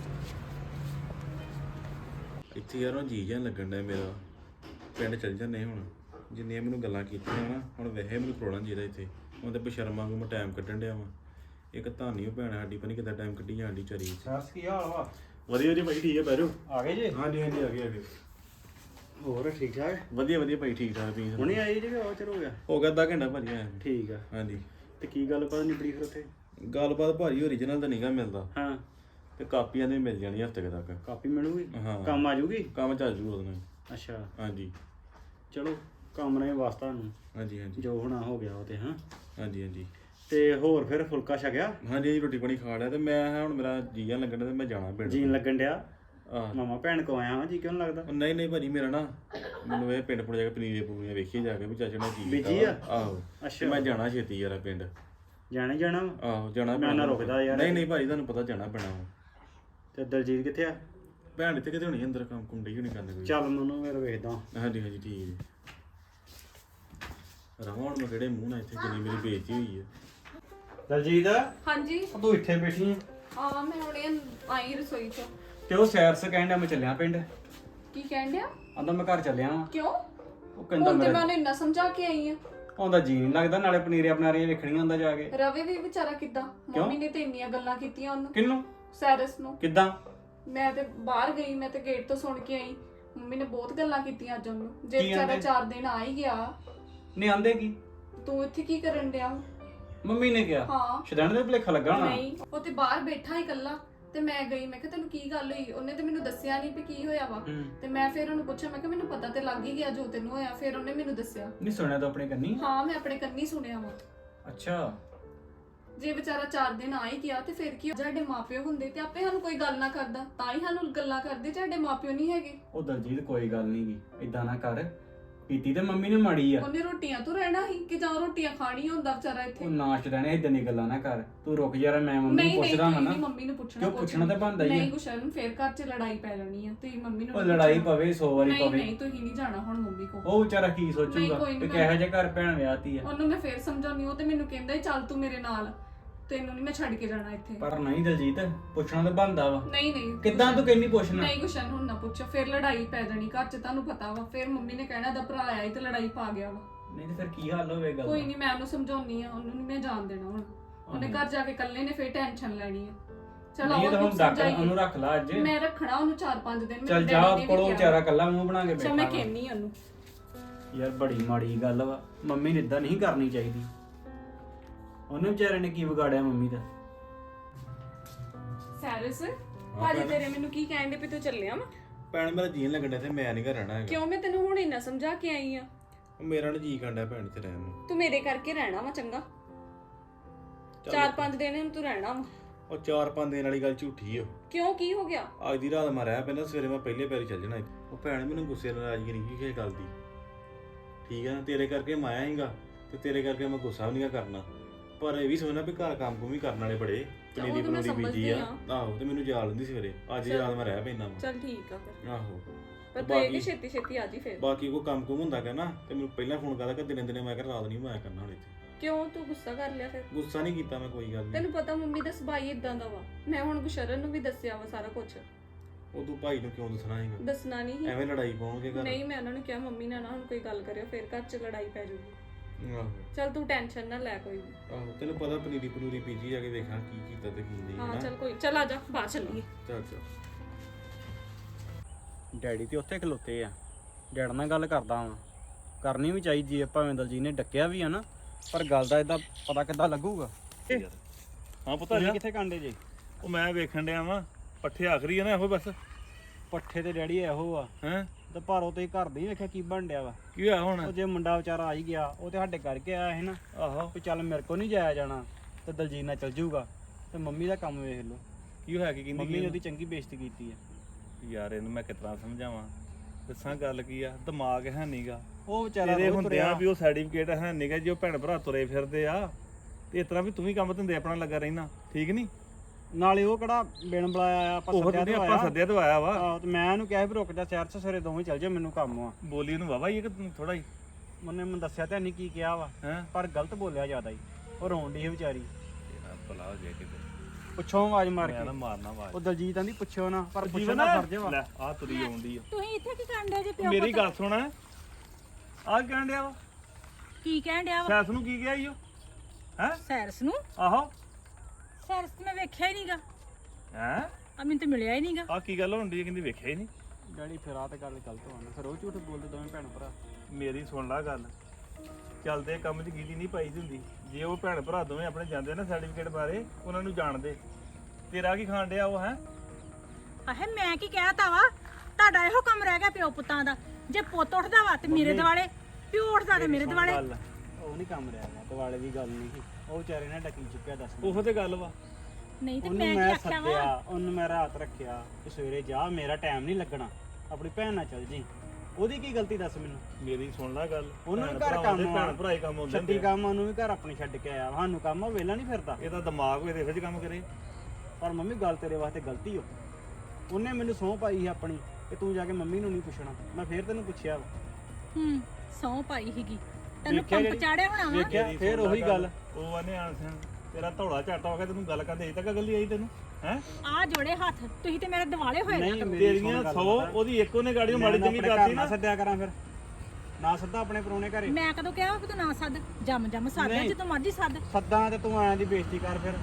ਇੱਥੇ ਯਾਰ ਉਹ ਜੀ ਜਾਨ ਲੱਗਣ ਡਿਆ ਮੇਰਾ। ਪਿੰਡ ਚੱਲ ਜਾਂਦੇ ਹੁਣ, ਜਿੰਨੀਆਂ ਮੈਨੂੰ ਗੱਲਾਂ ਕੀਤੀਆਂ ਨਾ ਹੁਣ ਵੈਸੇ ਮੈਨੂੰ ਖਲੋਣਾ ਚਾਹੀਦਾ ਇੱਥੇ। ਹੁਣ ਤੇ ਬਸ਼ਰਮਾਂ ਨੂੰ ਮੈਂ ਟਾਈਮ ਕੱਢਣ ਡਿਆ ਵਾਂ। ਇੱਕ ਧਾਨੀ ਉਹ ਭੈਣ ਸਾਡੀ ਪਤਾ ਨੀ ਕਿੱਦਾਂ ਟਾਈਮ ਕੱਢੀ ਜਾਂਦੀ ਵਿਚਾਰੀ।
ਸਰਸ ਕੀ ਹਾਲ ਵਾ?
ਵਧੀਆ ਜੀ ਭਾਈ, ਠੀਕ ਹੈ ਬੈਰੋ।
ਆ ਗਏ ਜੀ?
ਹਾਂਜੀ ਹਾਂਜੀ ਆ ਗਏ।
ਹੋਰ ਠੀਕ ਠਾਕ?
ਵਧੀਆ ਵਧੀਆ ਭਾਈ, ਠੀਕ ਠਾਕ ਤੁਸੀਂ
ਹੁਣੇ ਆਏ ਜੀ? ਉਹ ਚਿਰ ਹੋ ਗਿਆ?
ਹੋ ਗਿਆ ਅੱਧਾ ਘੰਟਾ ਭਾਜੀ ਆਇਆ।
ਠੀਕ ਆ।
ਹਾਂਜੀ
ਤੇ ਕੀ ਗੱਲ ਪਤਾ ਨਿਬੜੀ ਫਿਰ ਉੱਥੇ?
ਗੱਲਬਾਤ ਭਾਜੀ ਓਰੀਜਨਲ ਤਾਂ ਨਹੀਂਗਾ ਮਿਲਦਾ,
ਹਾਂ।
ਤੇ ਕਾਪੀਆਂ ਦੇ ਮਿਲ ਜਾਣੀਆਂ ਹਫ਼ਤੇ ਤੱਕ।
ਕਾਪੀ ਮਿਲੂਗੀ?
ਹਾਂ।
ਕੰਮ ਆ ਜਾਊਗੀ?
ਕੰਮ ਚੱਲ ਜੂ ਉਹਦੇ ਨਾਲ।
ਅੱਛਾ
ਹਾਂਜੀ
ਚਲੋ, ਕੰਮ ਨੇ ਵਾਸਤਾ ਨੂੰ
ਹਾਂਜੀ ਹਾਂਜੀ
ਜੋ ਹੋਣਾ ਹੋ ਗਿਆ ਉਹ ਤੇ। ਹਾਂ
ਹਾਂਜੀ ਹਾਂਜੀ
ਤੇ ਹੋਰ ਫਿਰ ਫੁਲਕਾ ਛਕਿਆ?
ਹਾਂਜੀ ਰੋਟੀ ਪਾਣੀ ਖਾ ਲਿਆ ਤੇ ਮੈਂ ਹੁਣ ਮੇਰਾ ਜੀਆ ਲੱਗਣ ਡਿਆ ਤੇ ਮੈਂ ਜਾਣਾ ਪਿੰਡ।
ਜੀਣ ਲੱਗਣ ਡਿਆ?
ਆਹ
ਮਾਮਾ ਭੈਣ ਕੋ ਆਇਆ ਹਾਂ ਜੀ, ਕਿਉਂ ਨੀ ਲੱਗਦਾ?
ਨਹੀਂ ਨਹੀਂ ਭਾਜੀ, ਮੇਰਾ ਨਾ ਮੈਨੂੰ ਇਹ ਪਿੰਡ ਪੁੜ ਜਾ ਕੇ ਪਨੀਰੀਆਂ ਪੂਰੀਆਂ ਵੇਖੀਏ ਜਾ ਕੇ ਵੀ ਚਾਚੇ ਨਾਲ ਕੀ
ਬੀਜੀ
ਕੀਤਾ
ਆ?
ਵਾ। ਆਹੋ
ਅੱਛਾ।
ਤੇ ਮੈਂ ਜਾਣਾ ਛੇਤੀ ਯਾਰ ਪਿੰਡ।
ਜਾਣਾ ਹੀ ਜਾਣਾ ਵਾ?
ਆਹੋ ਜਾਣਾ
ਮੈਂ ਨਾ ਰੁਕਦਾ ਯਾਰ।
ਨਹੀਂ ਨਹੀਂ ਭਾਜੀ, ਤੁਹਾਨੂੰ ਪਤਾ ਜਾਣਾ ਪੈਣਾ ਵਾ।
ਤੇ ਦਲਜੀਤ ਕਿੱਥੇ ਆ?
ਭੈਣ ਇੱਥੇ ਕਿਤੇ ਹੋਣੀ ਅੰਦਰ, ਕੰਮ ਕੁੰਡੀ ਹੋਣੀ ਕਰਨੇ ਕੋਈ।
ਚੱਲ ਮੈਨੂੰ ਫਿਰ ਵੇਖਦਾ।
ਹਾਂਜੀ ਹਾਂਜੀ ਠੀਕ ਹੈ ਜੀ। ਰਵਾਂ ਹੁਣ ਮੈਂ ਕਿਹੜੇ ਮੂੰਹ ਨਾਲ ਇੱਥੇ ਜਿੰਨੀ ਮੇਰੀ ਬੇਇੱਜ਼ਤੀ ਹੋਈ ਹੈ।
ਦਲਜੀਤ
ਹਾਂਜੀ
ਤੂੰ ਇੱਥੇ ਬੈਠੀ ਆ
ਆ, ਮੈਂ ਹੁਣੇ ਆਈ ਰਸੋਈ 'ਚ।
ਤੇ ਉਹ ਸੈਰਸ ਕਹਿਣ ਡਿਆ ਮੈਂ ਚੱਲਿਆ ਪਿੰਡ।
ਕੀ ਕਹਿਣ ਡਿਆ?
ਆਂਦਾ ਮੈਂ ਘਰ ਚੱਲਿਆ ਵਾਂ।
ਕਿਉਂ?
ਉਹ ਕਹਿੰਦਾ
ਹੁਣ ਤੇ
ਮੇਰਾ
ਮੈਂ ਉਹਨੂੰ ਇੰਨਾ ਸਮਝਾ ਕੇ ਆਈ ਆ।
ਆਉਂਦਾ ਜੀ ਨਹੀਂ ਲੱਗਦਾ, ਨਾਲੇ ਪਨੀਰੀਆਂ ਬਨਾਰੀਆਂ ਵੇਖਣੀਆਂ ਹੁੰਦਾ ਜਾ ਕੇ।
ਰਵੀ ਵੀ ਵਿਚਾਰਾ ਕਿੱਦਾਂ, ਮੰਮੀ ਨੇ ਤੇ ਇੰਨੀਆਂ ਗੱਲਾਂ ਕੀਤੀਆਂ ਉਹਨੂੰ,
ਕਿਹਨੂੰ?
ਸੈਰਸ ਨੂੰ।
ਕਿੱਦਾਂ?
ਮੈਂ ਤੇ ਬਾਹਰ ਗਈ, ਮੈਂ ਤੇ ਗੇਟ ਤੋਂ ਸੁਣ ਕੇ ਆਈ। ਮੰਮੀ ਨੇ ਬਹੁਤ ਗੱਲਾਂ ਕੀਤੀਆਂ ਅੱਜ ਉਹਨੂੰ। ਜੇ
ਕੀ
ਵਿਚਾਰਾ
ਆਂਦੇ?
4 ਦਿਨ ਆ ਹੀ ਗਿਆ,
ਨਹੀਂ ਆਂਦੇ ਕੀ?
ਤੂੰ ਇੱਥੇ ਕੀ ਕਰਨ ਡਿਆ?
ਮੰਮੀ ਨੇ ਕਿਹਾ?
ਹਾਂ।
ਸ਼ਦਣ ਦੇ ਭੁਲੇਖਾ ਲੱਗਾ ਹੋਣਾ।
ਨਹੀਂ, ਉਹ ਤੇ ਬਾਹਰ ਬੈਠਾ ਹੀ ਇਕੱਲਾ ਤੇ ਮੈਂ ਗਈ। ਮੈਂ ਕਿਹਾ ਤੈਨੂੰ ਕੀ ਗੱਲ ਹੋਈ? ਉਹਨੇ ਤੇ ਮੈਨੂੰ ਦੱਸਿਆ ਨਹੀਂ ਵੀ ਕੀ ਹੋਇਆ ਵਾ। ਤੇ ਮੈਂ ਫਿਰ ਉਹਨੂੰ ਪੁੱਛਿਆ, ਮੈਂ ਕਿਹਾ ਮੈਨੂੰ ਪਤਾ ਤੇ ਲੱਗ ਹੀ ਗਿਆ ਜੋ ਤੈਨੂੰ ਹੋਇਆ। ਫਿਰ ਉਹਨੇ ਮੈਨੂੰ ਦੱਸਿਆ।
ਨਹੀਂ ਸੁਣਿਆ ਤਾਂ ਆਪਣੇ ਕੰਨੀ?
ਹਾਂ, ਮੈਂ ਆਪਣੇ ਕੰਨੀ ਸੁਣਿਆ ਵਾ।
ਅੱਛਾ।
ਜੇ ਵਿਚਾਰਾ 4 ਦਿਨ ਆ ਹੀ ਗਿਆ ਤੇ ਫਿਰ ਕੀ? ਸਾਡੇ ਮਾਪਿਓ ਹੁੰਦੇ ਤੇ ਆਪੇ ਸਾਨੂੰ ਕੋਈ ਗੱਲ ਨਾ ਕਰਦਾ, ਤਾਂ ਹੀ ਸਾਨੂੰ ਗੱਲਾਂ ਕਰਦੇ। ਸਾਡੇ ਮਾਪਿਓ ਨਹੀਂ ਹੈਗੇ।
ਉਹ ਦਲਜੀਤ ਕੋਈ ਗੱਲ ਨਹੀਂ ਗੀ, ਇਦਾਂ ਨਾ ਕਰ। ਪੀਤੀ ਤੇ ਮੰਮੀ ਨੇ ਮਾੜੀ ਆ।
ਉਹਨੇ ਰੋਟੀਆਂ ਤੋਂ ਰਹਿਣਾ ਸੀ ਕਿ ਜਾਂ ਰੋਟੀਆਂ ਖਾਣੀ ਹੁੰਦਾ ਵਿਚਾਰਾ ਇੱਥੇ?
ਉਹ ਨਾਸ਼ ਰਹਿਣੇ, ਇਦਾਂ ਦੀ ਗੱਲਾਂ ਨਾ ਕਰ ਤੂੰ। ਰੁਕ ਯਾਰ, ਮੈਂ ਮੰਮੀ ਨੂੰ
ਨਹੀਂ
ਪੁੱਛਦਾ
ਨਹੀਂ,
ਹਾਂ ਨਾ।
ਤੁਸੀਂ ਮੰਮੀ ਨੂੰ ਪੁੱਛਣਾ।
ਕਿਉਂ ਪੁੱਛਣਾ ਤਾਂ ਬਣਦਾ ਹੀ ਆ।
ਨਹੀਂ ਗੁਸ਼ਨ, ਫੇਰ ਘਰ 'ਚ ਲੜਾਈ ਪੈ ਜਾਣੀ ਆ। ਤੁਸੀਂ ਮੰਮੀ ਨੂੰ
ਉਹ ਲੜਾਈ
ਪੁੱਛਣਾ।
ਪਵੇ 100 ਵਾਰੀ
ਨਹੀਂ
ਪਵੇ।
ਨਹੀਂ, ਤੁਸੀਂ ਨਹੀਂ ਜਾਣਾ ਹੁਣ ਮੰਮੀ ਕੋਲ।
ਉਹ ਵਿਚਾਰਾ ਕੀ
ਨਹੀਂ,
ਸੋਚੂਗਾ
ਕੋਈ ਨੀ,
ਕਿ
ਮੈਂ-
ਕਿਹੋ ਜਿਹਾ ਘਰ ਭੈਣ ਵਿਆਹਤੀ ਆ।
ਉਹਨੂੰ ਮੈਂ ਫੇਰ ਸਮਝਾਉਣੀ। ਉਹ ਤੇ ਮੈਨੂੰ ਕਹਿੰਦਾ ਹੀ ਚੱਲ ਤੂੰ ਮੇਰੇ ਨਾਲ, ਤੈਨੂੰ ਨਹੀਂ ਮੈਂ ਛੱਡ ਕੇ ਜਾਣਾ ਇੱਥੇ।
ਪਰ ਨਹੀਂ ਦਲਜੀਤ, ਪੁੱਛਣਾ ਤਾਂ ਬਣਦਾ ਵਾ।
ਨਹੀਂ ਨਹੀਂ,
ਕਿੱਦਾਂ ਤੂੰ ਕਹਿੰਦੀ ਪੁੱਛਣਾ?
ਨਹੀਂ ਗੁਸ਼ਨ, ਹੁਣ ਨਾ ਪੁੱਛੋ। ਫੇਰ ਲੜਾਈ ਪੈ ਜਾਣੀ ਘਰ 'ਚ, ਤੁਹਾਨੂੰ ਪਤਾ ਵਾ। ਫੇਰ ਮੰਮੀ ਨੇ ਕਹਿਣਾ ਦਾ ਭਰਾ ਆਇਆ ਤੇ ਲੜਾਈ ਪਾ ਗਿਆ ਵਾ।
ਨਹੀਂ ਤੇ ਫਿਰ ਕੀ ਹੱਲ ਹੋਵੇਗਾ?
ਕੋਈ ਨਹੀਂ, ਮੈਂ ਉਹਨੂੰ ਸਮਝਾਉਣੀ ਆ। ਉਹਨੂੰ ਨਹੀਂ ਮੈਂ ਜਾਣ ਦੇਣਾ ਹੁਣ। ਉਹਨੇ ਘਰ ਜਾ ਕੇ ਇਕੱਲੇ ਨੇ ਫੇਰ ਟੈਨਸ਼ਨ ਲੈਣੀ ਆ। ਚਲ
ਨਹੀਂ ਤਾਂ
ਆਓ
ਹੁਣ ਡਾਕਟਰ ਉਹਨੂੰ ਰੱਖ ਲਾ ਅੱਜ।
ਮੈਂ ਰੱਖਣਾ ਉਹਨੂੰ 4-5 ਦਿਨ।
ਚੱਲ ਜਾ ਕੋਲੋਂ ਵਿਚਾਰਾ ਕੱਲਾ ਮੂੰਹ ਬਣਾ ਕੇ
ਅੱਛਾ, ਮੈਂ
ਬੈਠਾ ਵਾ।
ਕਹਿੰਨੀ ਉਹਨੂੰ।
ਯਾਰ ਬੜੀ ਮਾੜੀ ਗੱਲ ਵਾ, ਮੰਮੀ ਨੇ ਇਦਾਂ ਨਹੀਂ ਕਰਨੀ ਚਾਹੀਦੀ। ਉਹਨੇ ਵਿਚਾਰੇ ਨੇ ਕੀ ਵਿਗਾੜਿਆ ਮੰਮੀ ਦਾ?
ਸੈਰਸ ਭਾਜੀ ਤੇਰੇ ਮੈਨੂੰ ਕੀ ਕਹਿੰਦੇ ਵੀ ਤੂੰ ਚੱਲਿਆ ਵਾ?
ਭੈਣ ਮੇਰਾ ਜੀਣ ਲੱਗਣਾ ਤੇ ਮੈਂ ਨਹੀਂ ਘਰ ਰਹਿਣਾ ਹੈਗਾ।
ਕਿਉਂ? ਮੈਂ ਤੈਨੂੰ ਹੁਣ ਇੰਨਾ ਸਮਝਾ ਕੇ ਆਈ ਆ।
ਉਹ ਮੇਰਾ ਨੀ ਜੀ ਕਰਦਾ ਭੈਣ ਤੇ ਰਹਿਣ ਨੂੰ।
ਤੂੰ ਮੇਰੇ ਕਰਕੇ ਰਹਿਣਾ ਵਾ ਚੰਗਾ। 4-5 ਦਿਨ ਹੁਣ ਤੂੰ ਰਹਿਣਾ ਵਾ।
ਉਹ 4-5 ਦਿਨ ਵਾਲੀ ਗੱਲ ਝੂਠੀ ਆ।
ਕਿਉਂ? ਕੀ ਹੋ ਗਿਆ?
ਅੱਜ ਦੀ ਰਾਤ ਮੈਂ ਰਹਿ ਪੈਂਦਾ, ਸਵੇਰੇ ਮੈਂ ਪਹਿਲੇ ਪੈਰੀ ਚੱਲ ਜਾਣਾ। ਉਹ ਭੈਣ ਮੈਨੂੰ ਗੁੱਸੇ ਨਾਰਾਜ਼ਗੀ ਨਹੀਂ ਕਿਸੇ ਗੱਲ ਦੀ, ਠੀਕ ਆ ਨਾ। ਤੇਰੇ ਕਰਕੇ ਮੈਂ ਆਇਆ ਸੀਗਾ ਤੇ ਤੇਰੇ ਕਰਕੇ ਮੈਂ ਗੁੱਸਾ ਵੀ ਨਹੀਂ ਕਰਨਾ, ਪਰ ਇਹ ਵੀ ਸੋਚਣਾ ਵੀ ਘਰ ਕੰਮ ਕੁਮ ਵੀ ਕਰਨ ਵਾਲੇ ਬੜੇ ਪਨੀਰੀ
ਉਹ ਤਾਂ ਮੈਂ
ਪਨੂਰੀ ਬੀਜੀ ਆ।
ਸਮਝਦੀ
ਆਹੋ ਤੇ ਮੈਨੂੰ ਜਾ ਲੈਂਦੀ ਸਵੇਰੇ, ਅੱਜ ਦੀ
ਚੱਲ।
ਰਾਤ ਮੈਂ ਰਹਿ ਪੈਂਦਾ ਵਾ।
ਚੱਲ ਠੀਕ ਆ ਫਿਰ।
ਆਹੋ
ਪਰ
ਤੇ
ਤੂੰ ਇਹ ਕਿ
ਬਾਕੀ
ਛੇਤੀ ਛੇਤੀ ਆ ਜੀ ਫਿਰ।
ਬਾਕੀ ਕੋਈ ਕੰਮ ਕੁਮ ਹੁੰਦਾ ਕਰਨਾ ਤੇ ਮੈਨੂੰ ਪਹਿਲਾਂ ਫੋਨ ਕਰਦਾ ਕਿ ਦਿਨੇ ਦਿਨੇ ਮੈਂ ਕਰ ਰਾਤ ਨਹੀਂ ਮੈਂ ਕਰਨਾ ਹੁਣ ਇੱਥੇ।
ਕਿਉਂ? ਤੂੰ ਗੁੱਸਾ ਕਰ ਲਿਆ ਫਿਰ?
ਗੁੱਸਾ ਨਹੀਂ ਕੀਤਾ ਮੈਂ, ਕੋਈ ਗੱਲ ਨਹੀਂ।
ਤੈਨੂੰ ਪਤਾ ਮੰਮੀ ਦਾ ਸੁਭਾਅ ਹੀ ਇਦਾਂ ਦਾ ਵਾ। ਮੈਂ ਹੁਣ ਗੁਸ਼ਰਨ ਨੂੰ ਵੀ ਦੱਸਿਆ ਵਾ ਸਾਰਾ ਕੁਝ।
ਉਹ ਤੂੰ ਭਾਈ ਨੂੰ ਕਿਉਂ ਦੱਸਣਾ ਹੈਗਾ?
ਦੱਸਣਾ ਨਹੀਂ ਸੀ।
ਐਵੇਂ ਲੜਾਈ ਪਾਉਣਗੇ ਘਰ।
ਨਹੀਂ, ਮੈਂ ਉਹਨਾਂ ਨੂੰ ਕਿਹਾ ਮੰਮੀ ਨਾਲ ਨਾ ਹੁਣ ਕੋਈ ਗੱਲ ਕਰਿਓ, ਫਿਰ ਘਰ 'ਚ ਲੜਾਈ ਪੈ ਜਾਊਗੀ।
ਆਹੋ
ਚੱਲ ਤੂੰ ਟੈਨਸ਼ਨ ਨਾ ਲੈ ਕੋਈ ਵੀ।
ਆਹੋ ਤੈਨੂੰ ਪਤਾ ਪਨੀਰੀ ਪਨੂਰੀ ਬੀਜੀ ਜਾ ਕੇ ਵੇਖਾਂ ਕੀ ਕੀਤਾ ਤੇ ਕੀ ਨਹੀਂ।
ਹਾਂ ਚੱਲ ਕੋਈ, ਚੱਲ ਆ ਜਾ ਬਾਹਰ ਚੱਲੀਏ।
ਚੱਲ ਚੱਲ।
ਡੈਡੀ ਤੇ ਉੱਥੇ ਖਲੋਤੇ ਆ, ਡੈਡ ਨਾਲ ਗੱਲ ਕਰਦਾ ਵਾਂ। ਕਰਨੀ ਵੀ ਚਾਹੀਦੀ ਆ, ਭਾਵੇਂ ਦਲਜੀਤ ਨੇ ਡੱਕਿਆ ਵੀ ਆ ਨਾ, ਪਰ ਗੱਲ ਦਾ ਇਦਾਂ ਪਤਾ ਕਿੱਦਾਂ ਲੱਗੂਗਾ?
ਹਾਂ ਪੁੱਤਾ
ਤੁਸੀਂ ਕਿੱਥੇ ਕਾਂਡੇ ਜੇ?
ਉਹ ਮੈਂ ਵੇਖਣ ਡਿਆ ਵਾਂ, ਪੱਠੇ ਆਖਰੀ ਆ ਨਾ ਇਹੋ ਬਸ।
ਪੱਠੇ ਤੇ ਡੈਡੀ ਇਹੋ ਆ
ਹੈਂ
ਤੇ ਪਰ ਉਹ ਤੇ ਘਰ ਦੇ ਹੀ ਵੇਖਿਆ ਕੀ ਬਣ ਡਿਆ ਵਾ।
ਕੀ ਹੋਇਆ
ਉਹ
ਹੁਣ?
ਜੇ ਮੁੰਡਾ ਵਿਚਾਰਾ ਆ ਹੀ ਗਿਆ, ਉਹ ਤੇ ਸਾਡੇ ਕਰਕੇ ਆਇਆ ਸੀ ਨਾ,
ਆਹੋ
ਵੀ ਚੱਲ ਮੇਰੇ ਕੋ ਨਹੀਂ ਜਾਇਆ ਜਾਣਾ ਤੇ ਦਲਜੀਤ ਨਾਲ ਚੱਲ ਜਾਊਗਾ। ਤੇ ਮੰਮੀ ਦਾ ਕੰਮ ਵੇਖ ਲਓ,
ਕੀ ਹੋਇਆ? ਕੀ ਕਹਿੰਦੀ
ਮੰਮੀ ਨੇ
ਕੀ
ਉਹਦੀ ਚੰਗੀ ਬੇਇੱਜ਼ਤੀ ਕੀਤੀ ਆ।
ਯਾਰ ਇਹਨੂੰ ਮੈਂ ਕਿਤਨਾ ਸਮਝਾਵਾਂ? ਦੱਸਾਂ ਗੱਲ ਕੀ ਆ, ਦਿਮਾਗ ਹੈ ਨਹੀਂਗਾ
ਉਹ ਵਿਚਾਰਾ
ਤੇਰੇ
ਰੋਜ਼
ਹੁੰਦਿਆਂ
ਤੁਰਿਆ।
ਵੀ ਉਹ ਸਰਟੀਫਿਕੇਟ ਹੈ ਨਹੀਂਗਾ, ਜੋ ਭੈਣ ਭਰਾ ਤੁਰੇ ਫਿਰਦੇ ਆ ਤੇ ਇਸ ਤਰ੍ਹਾਂ ਵੀ ਤੂੰ ਵੀ ਕੰਮ ਧੰਦੇ ਆਪਣਾ ਲੱਗਾ ਰਹਿਣਾ, ਠੀਕ ਨਹੀਂ?
ਨਾਲੇ ਉਹ ਕਿਹੜਾ ਬਿਨ ਬੁਲਾਇਆ ਆਇਆ, ਆਪਾਂ
ਉਹ
ਸੱਦਿਆ
ਤੇ
ਤੇ
ਆਪਾਂ
ਆਇਆ।
ਸੱਦਿਆ ਤੋਂ ਆਇਆ ਵਾ।
ਆਹੋ ਤੇ ਮੈਂ ਉਹਨੂੰ ਕਿਹਾ ਵੀ ਰੁਕ ਜਾ ਸ਼ਹਿਰ 'ਚ, ਸਵੇਰੇ ਦੋਵੇਂ ਚੱਲ ਜਾ, ਮੈਨੂੰ ਕੰਮ ਆ।
ਬੋਲੀ ਨੂੰ ਵਾਵਾ ਹੀ ਕਿ ਥੋੜਾ ਹੀ
ਉਹਨੇ ਮੈਨੂੰ ਦੱਸਿਆ ਤੇ ਨਹੀਂ ਕੀ ਕਿਹਾ ਵਾ,
ਹੈ
ਪਰ ਗਲਤ ਬੋਲਿਆ ਜ਼ਿਆਦਾ ਹੀ। ਉਹ ਰੋਣ ਡਈ ਸੀ ਵਿਚਾਰੀ,
ਤੇਰਾ ਭਲਾ ਹੋ ਜਾਏ ਕਿਤੇ।
ਪੁੱਛੋਂ ਆਵਾਜ਼ ਮਾਰ
ਮੈਂ
ਕੇ।
ਨਾ ਮਾਰਨਾ ਆਵਾਜ਼।
ਉਹ ਦਲਜੀਤ ਆਂਦੀ ਪੁੱਛੋ ਨਾ, ਪਰ ਪੁੱਛਣ
ਜੀਵਨ
ਦਾ ਫਰਜ਼ ਵਾ।
ਲੈ ਆ ਤੁਰੀ ਆਉਂਦੀ ਆ।
ਤੁਸੀਂ ਇੱਥੇ ਕੀ ਕਾਂਡੇ ਜੇ ਪਿਓ
ਮੇਰੀ
ਪੁੱਤ?
ਗੱਲ ਸੁਣ, ਆ ਕਹਿਣ ਡਿਆ ਵਾ
ਕੀ ਕਹਿਣ ਡਿਆ ਵਾ?
ਸੈਸ ਨੂੰ ਕੀ ਕਿਹਾ ਈ ਉਹ? ਹੈ
ਸੈਰਸ ਨੂੰ?
ਆਹੋ
ਸੈਰਸ ਤੇ ਮੈਂ ਵੇਖਿਆ ਹੀ ਨਹੀਂਗਾ,
ਹੈ
ਆ ਮੈਨੂੰ ਤੇ ਮਿਲਿਆ ਹੀ ਨਹੀਂਗਾ।
ਆ ਕੀ ਗੱਲ ਹੋਣ ਡਈ? ਕਹਿੰਦੀ ਵੇਖਿਆ ਹੀ ਨਹੀਂ।
ਡੈਡੀ ਫਿਰ ਆ ਤੇ ਗੱਲ ਗਲਤ ਹੋਣਾ, ਫਿਰ ਉਹ ਝੂਠ ਬੋਲਦੇ ਦੋਵੇਂ ਭੈਣ ਭਰਾ।
ਮੇਰੀ ਸੁਣ ਲਾ ਗੱਲ, ਚੱਲਦੇ ਕੰਮ 'ਚ ਗੀਲੀ ਨਹੀਂ ਪਾਈ ਦੀ ਹੁੰਦੀ। ਜੇ ਉਹ ਭੈਣ ਭਰਾ ਦੋਵੇਂ ਆਪਣੇ ਜਾਂਦੇ ਨਾ ਸਰਟੀਫਿਕੇਟ ਬਾਰੇ, ਉਹਨਾਂ ਨੂੰ ਜਾਣਦੇ। ਤੇਰਾ ਕੀ ਖਾਣ ਡਿਆ ਉਹ? ਹੈ
ਆਹੇ ਮੈਂ ਕੀ ਕਹਿਤਾ ਵਾ? ਤੁਹਾਡਾ ਇਹੋ ਕੰਮ ਰਹਿ ਗਿਆ ਪਿਓ ਪੁੱਤਾਂ ਦਾ। ਜੇ ਪੁੱਤ ਉੱਠਦਾ ਵਾ ਤੇ ਮੇਰੇ ਦਿਵਾਲੇ, ਪਿਓ ਉੱਠਦਾ ਤੇ ਮੇਰੇ ਦਿਵਾਲੇ।
ਗੱਲ
ਉਹ ਨਹੀਂ ਕੰਮ ਰਿਹਾ ਗਿਆ, ਦਿਵਾਲੇ ਦੀ ਗੱਲ ਨਹੀਂ ਸੀ। ਉਹ ਵਿਚਾਰੇ ਨੇ ਡੱਕੀ ਚੁੱਕਿਆ ਦੱਸ।
ਉਹੋ ਤੇ ਗੱਲ ਵਾ।
ਨਹੀਂ ਤੇ
ਉਹਨੂੰ
ਮੈਂ
ਮੈਂ
ਕੀ ਆਖਿਆ ਵਾ?
ਸੱਦਿਆ, ਉਹਨੂੰ ਮੈਂ ਰਾਤ ਰੱਖਿਆ ਕਿ ਸਵੇਰੇ ਜਾ, ਮੇਰਾ ਟਾਈਮ ਨਹੀਂ ਲੱਗਣਾ, ਆਪਣੀ ਭੈਣ ਨਾਲ ਚੱਲ ਜੀ। ਉਹਦੀ ਕੀ ਗਲਤੀ ਦੱਸ ਮੈਨੂੰ?
ਮੇਰੀ ਸੁਣ ਲੈ ਗੱਲ,
ਉਹਨੂੰ ਵੀ
ਭੈਣ
ਘਰ
ਭਰਾਵਾਂ ਦੇ
ਕੰਮ
ਭੈਣ ਭਰਾ ਹੀ ਕੰਮ ਹੁੰਦੇ
ਛੱਡੀ
ਹੁੰਦੇ ਆ।
ਕੰਮ ਉਹਨੂੰ ਵੀ ਘਰ ਆਪਣੀ ਛੱਡ ਕੇ ਆਇਆ, ਸਾਨੂੰ ਕੰਮ ਉਹ ਵੇਲਾ ਨਹੀਂ ਫਿਰਦਾ।
ਇਹਦਾ ਦਿਮਾਗ ਹੋਏ ਤੇ ਇਹੋ ਜਿਹੇ ਕੰਮ ਕਰੇ।
ਪਰ ਮੰਮੀ ਗੱਲ ਤੇਰੇ ਵਾਸਤੇ ਗਲਤੀ ਹੋ। ਉਹਨੇ ਮੈਨੂੰ ਸਹੁੰ ਪਾਈ ਸੀ ਆਪਣੀ ਕਿ ਤੂੰ ਜਾ ਕੇ ਮੰਮੀ ਨੂੰ ਨਹੀਂ ਪੁੱਛਣਾ। ਮੈਂ ਫੇਰ ਤੈਨੂੰ ਪੁੱਛਿਆ ਵਾ।
ਸਹੁੰ ਪਾਈ ਸੀਗੀ, ਤੈਨੂੰ
ਵੇਖਿਆ
ਪੰਪ
ਜਿਹੜੀ-
ਚਾੜਿਆ ਹੋਣਾ ਵਾ।
ਵੇਖਿਆ
ਮੇਰੀ
ਫੇਰ
ਸੁਣ ਲੈ
ਉਹੀ ਗੱਲ।
ਉਹ ਆਨੇ ਆਨਸਨ ਤੇਰਾ ਧੌਲਾ ਝਾਟਾ ਹੋ ਗਿਆ, ਤੈਨੂੰ ਗੱਲ ਕਰਦੇ ਅਜੇ ਤੱਕ ਅਗਲ ਨਹੀਂ ਆਈ ਤੈਨੂੰ? ਹੈ
ਆ ਜੋੜੇ ਹੱਥ, ਤੁਸੀਂ ਤੇ ਮੇਰੇ ਦਿਵਾਲੇ ਹੋਏ ਨਾ।
ਨਹੀਂ ਮੇਰੀ ਸੁਣ
ਤੇਰੀਆਂ
ਗੱਲ
100
ਪਤਾ।
ਉਹਦੀ ਇੱਕ ਉਹਨੇ ਗਾੜੀ ਮਾੜੀ
ਮੈਂ
ਚੰਗੀ
ਆਪਣੇ ਘਰ
ਕਰਤੀ
ਨਾ
ਨਾ।
ਸੱਦਿਆ ਕਰਾਂ ਫਿਰ, ਨਾ ਸੱਦਾ ਆਪਣੇ ਪਰੋਣੇ ਘਰੇ।
ਮੈਂ ਕਦੋਂ ਕਿਹਾ ਕਿ ਤੂੰ ਨਾ ਸੱਦ? ਜੰਮ ਜੰਮ ਸੱਦ,
ਨਹੀਂ।
ਜਦੋਂ ਮਰਜ਼ੀ ਸੱਦ।
ਸੱਦਾਂ ਤੇ ਤੂੰ ਐਂ ਦੀ ਬੇਇੱਜ਼ਤੀ ਕਰ ਫਿਰ।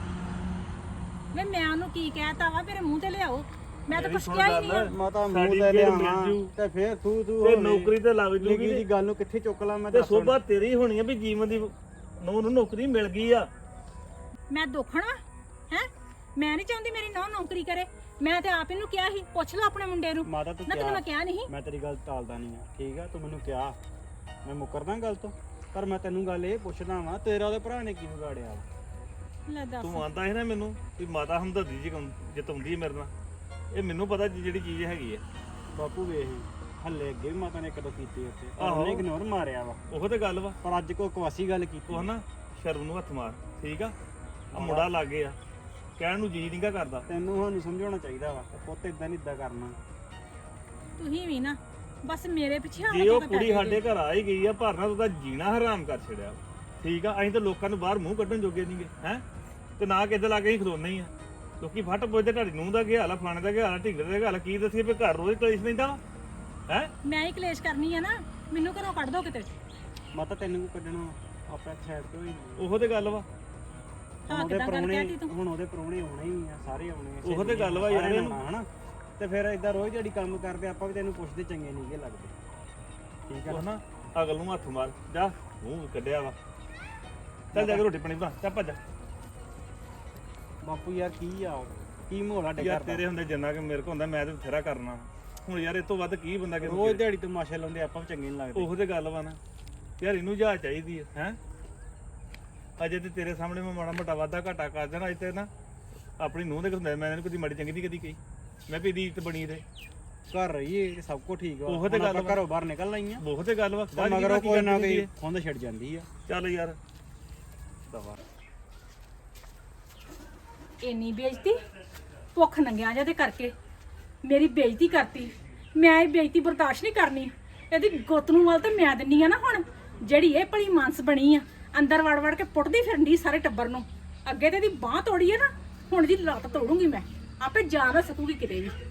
ਵੇ ਮੈਂ ਉਹਨੂੰ ਕੀ ਕਹਿਤਾ ਵਾ? ਮੇਰੇ ਮੂੰਹ ਤੇ ਲਿਆਓ, ਮੈਂ ਤਾਂ
ਮੇਰੀ
ਕੁਛ
ਸੁਣ
ਕਿਹਾ ਹੀ
ਗੱਲ,
ਨਹੀਂ ਆ।
ਮਾਤਾ ਮੂੰਹ
ਸਾਡੀ
ਤੇ
ਫੇਰ
ਲਿਆਵਾਂ
ਮਿਲ ਜੂ।
ਤੇ ਫੇਰ ਤੂੰ
ਤੇ
ਹੋਵੇਂ।
ਨੌਕਰੀ ਤੇ ਲੱਗ
ਨਿੱਕੀ
ਜੂਗੀ
ਜੀ ਗੱਲ ਨੂੰ ਕਿੱਥੇ ਚੁੱਕ ਲਾਂ ਮੈਂ?
ਤੇ
ਦੱਸ ਹੁਣ।
ਸੋਭਾ ਤੇਰੀ ਹੋਣੀ ਆ ਵੀ ਜੀਵਨ ਦੀ ਨੂੰ ਨੌਕਰੀ ਮਿਲ ਗਈ ਆ।
ਮੈਂ ਦੋਖਣ ਵਾ ਹੈ? ਮੈਂ ਨਹੀਂ ਚਾਹੁੰਦੀ ਮੇਰੀ ਨੌਂ ਨੌਕਰੀ ਕਰੇ। ਮੈਂ ਤੇ ਆਪ ਇਹਨੂੰ ਕਿਹਾ ਸੀ, ਪੁੱਛ ਲਓ ਆਪਣੇ ਮੁੰਡੇ ਨੂੰ।
ਮਾਤਾ ਤੂੰ
ਨਾ ਤੈਨੂੰ ਮੈਂ
ਕਿਹਾ,
ਕਿਹਾ ਨਹੀਂ।
ਮੈਂ ਤੇਰੀ ਗੱਲ ਟਾਲਦਾ ਨਹੀਂ ਆ, ਠੀਕ ਆ? ਤੂੰ ਮੈਨੂੰ ਕਿਹਾ, ਮੈਂ ਮੁੱਕਰਦਾ ਗੱਲ ਤੋਂ, ਪਰ ਮੈਂ ਤੈਨੂੰ ਗੱਲ ਇਹ ਪੁੱਛਦਾ ਵਾਂ, ਤੇਰਾ ਉਹਦੇ ਭਰਾ ਨੇ ਕੀ ਵਿਗਾੜਿਆ ਵਾ?
ਲੈ ਦੱਸ।
ਤੂੰ ਆਂਦਾ ਹੈ ਨਾ ਮੈਨੂੰ ਵੀ ਮਾਤਾ ਹਮਦਰਦੀ ਜੀ ਜਿਤਾਉਂਦੀ ਹੈ ਮੇਰੇ ਨਾਲ। ਇਹ ਮੈਨੂੰ ਪਤਾ ਜਿਹੜੀ ਚੀਜ਼ ਹੈਗੀ ਹੈ।
ਬਾਪੂ ਵੇਖ, ਹੱਲੇ ਅੱਗੇ ਵੀ ਮਾਤਾ ਨੇ ਕਦੋਂ ਕੀਤੀ ਉੱਥੇ,
ਆਹੋ।
ਉਹਨੇ ਇਗਨੋਰ ਮਾਰਿਆ ਵਾ।
ਉਹ ਤੇ ਗੱਲ ਵਾ।
ਪਰ ਅੱਜ ਕੋ ਕਵਾਸੀ ਗੱਲ ਕੀਤੀ।
ਉਹ ਨਾ ਸ਼ਰਮ ਨੂੰ ਹੱਥ ਮਾਰ, ਠੀਕ ਆ? ਆ ਮੁੰਡਾ ਲੱਗੇ ਆ, ਕਹਿਣ ਨੂੰ ਜੀ ਨਹੀਂਗਾ ਕਰਦਾ।
ਤੈਨੂੰ ਸਾਨੂੰ ਸਮਝਾਉਣਾ ਚਾਹੀਦਾ ਵਾ, ਪੁੱਤ ਇਦਾਂ ਨਹੀਂ ਇਦਾਂ ਕਰਨਾ।
ਤੁਸੀਂ ਵੀ ਨਾ ਬਸ ਮੇਰੇ ਪਿੱਛੇ ਆ
ਜੇ ਉਹ ਕੁੜੀ ਸਾਡੇ ਘਰ ਆ ਹੀ ਗਈ ਆ, ਭਰਨਾ ਉਹਦਾ ਜੀਣਾ ਹਰਾਮ ਕਰ ਛੜਿਆ, ਠੀਕ ਆ? ਅਸੀਂ ਤਾਂ ਲੋਕਾਂ ਨੂੰ ਬਾਹਰ ਮੂੰਹ ਕੱਢਣ ਜੋਗੇ ਨਹੀਂਗੇ, ਹੈ? ਤੇ ਨਾ ਕਿਤੇ ਲਾ ਕੇ ਹੀ ਖਲੋਨੇ ਹੀ ਆ। ਲੋਕੀ ਫੱਟ ਪੁੱਛਦੇ ਢਾਡੀ ਨੂੰ ਦਾ ਕੀ ਹਾਲ ਆ, ਫਲਾਣੇ ਦਾ ਕੀ ਹਾਲ ਆ, ਢਿੰਗਰੇ ਦਾ ਕੀ ਹਾਲ ਆ। ਕੀ ਦੱਸੀਏ ਵੀ ਘਰ ਰੋਜ਼ ਕਲੇਸ਼ ਲੈਂਦਾ ਹੈ?
ਮੈਂ ਹੀ ਕਲੇਸ਼ ਕਰਨੀ ਆ ਨਾ, ਮੈਨੂੰ ਘਰੋਂ ਕੱਢ ਦੋ ਕਿਤੇ।
ਮਾਤਾ ਤੈਨੂੰ ਕੋ ਕੱਢਣਾ, ਆਪਾਂ ਸਾਈਡ ਤੋਂ ਹੀ
ਉਹੋ ਤੇ ਗੱਲ ਵਾ।
ਹਾਂ ਕਿਦਾਂ ਗੱਲ ਕਹਿਤੀ ਤੂੰ?
ਹੁਣ ਉਹਦੇ ਪ੍ਰਾਹੁਣੇ ਆਉਣੇ ਹੀ ਆ, ਸਾਰੇ ਆਉਣੇ ਆ।
ਉਹੋ ਤੇ ਗੱਲ ਵਾ ਯਾਰ,
ਸਾਰਿਆਂ ਨੇ ਆਉਣਾ, ਹਨਾ? ਤੇ ਫਿਰ ਇਦਾਂ ਰੋਜ਼ ਜਿਹੜੀ ਕੰਮ ਕਰਦੇ ਆਪਾਂ ਵੀ ਤੈਨੂੰ ਪੁੱਛਦੇ ਚੰਗੇ ਨਹੀਂਗੇ ਲੱਗਦੇ, ਠੀਕ ਆ
ਉਹ
ਨਾ?
ਨਾ ਅਗਲ ਨੂੰ ਹੱਥ ਮਾਰ ਜਾ ਮੂੰਹ ਕੱਢਿਆ ਵਾ ਚੱਲ ਜਾ ਕੇ ਰੋਟੀ ਪਾਣੀ ਬਣਾ ਚੱਲ ਭੱਜ
ਬਾਪੂ ਯਾਰ ਕੀ ਮੋਹਲਾ ਡਿੱਗਾ
ਯਾਰ ਤੇਰੇ ਹੁੰਦੇ ਜਿੰਨਾ ਕਿ ਮੇਰੇ ਕੋਲ ਹੁੰਦਾ ਮੈਂ ਤੇ ਬਥੇਰਾ ਕਰਨਾ ਹੁਣ ਯਾਰ ਇਹ ਤੋਂ ਵੱਧ ਕੀ ਬੰਦਾ ਕਿਸੇ ਨੂੰ
ਰੋਜ਼ ਦਿਹਾੜੀ ਤਮਾਸ਼ੇ ਲਾਉਂਦੇ ਆਪਾਂ ਵੀ ਚੰਗੇ ਨਹੀਂ ਲੱਗਦੇ।
ਉਹੋ ਤੇ ਗੱਲ ਵਾ ਨਾ ਯਾਰ ਇਹਨੂੰ ਜਾ ਚਾਹੀਦੀ ਹੈ ਅਜੇ ਤੇ ਤੇਰੇ ਸਾਹਮਣੇ ਮੈਂ ਮਾੜਾ ਮੋਟਾ ਵਾਧਾ ਘਾਟਾ ਕਰ ਦੇਣਾ ਅੱਜ ਤੇ ਨਾ ਆਪਣੀ ਨੂੰਹ ਦੇ ਹੁੰਦਾ ਮੈਂ ਇਹਨੂੰ ਕਦੀ ਮਾੜੀ ਚੰਗੀ ਨਹੀਂ ਕਦੀ ਕਹੀ ਮੈਂ ਵੀ ਇਹਦੀ ਇੱਜ਼ਤ ਬਣੀ ਰਹੇ
ਘਰ ਰਹੀਏ ਤੇ ਸਭ ਕੁਝ ਠੀਕ ਵਾ।
ਉਹੋ ਤੇ
ਹੁਣ
ਗੱਲ
ਆਪਾਂ
ਵਾ।
ਘਰੋਂ ਬਾਹਰ ਨਿਕਲ ਆਈਆਂ
ਬਹੁਤ ਤੇ ਗੱਲ ਵਾ
ਤਾਂ ਮਗਰ ਉਹ ਕੋਈ ਨਾ ਕੋਈ ਖੁੰਦ ਛੱਡ ਜਾਂਦੀ ਆ।
ਚੱਲ ਯਾਰ ਦਵਾ
ਇੰਨੀ ਬੇਇੱਜ਼ਤੀ ਭੁੱਖ ਨੰਗਿਆ ਜਿਹਦੇ ਕਰਕੇ ਮੇਰੀ ਬੇਇੱਜ਼ਤੀ ਕਰਤੀ। ਮੈਂ ਇਹ ਬੇਇੱਜ਼ਤੀ ਬਰਦਾਸ਼ਤ ਨਹੀਂ ਕਰਨੀ। ਇਹਦੀ ਗੁੱਤ ਨੂੰ ਵੱਲ ਤੇ ਮੈਂ ਦਿੰਨੀ ਆ ਨਾ ਹੁਣ ਜਿਹੜੀ ਇਹ ਭਲੀ ਮਾਨਸ ਬਣੀ ਆ ਅੰਦਰ ਵੜ ਵੜ ਕੇ ਪੁੱਟਦੀ ਫਿਰਨੀ ਸਾਰੇ ਟੱਬਰ ਨੂੰ। ਅੱਗੇ ਤੇ ਇਹਦੀ ਬਾਹ ਤੋੜੀ ਆ ਨਾ ਹੁਣ ਦੀ ਲੱਤ ਤੋੜੂੰਗੀ ਮੈਂ ਆਪੇ ਜਾਨ ਸਕੂਗੀ ਕਿਤੇ ਵੀ।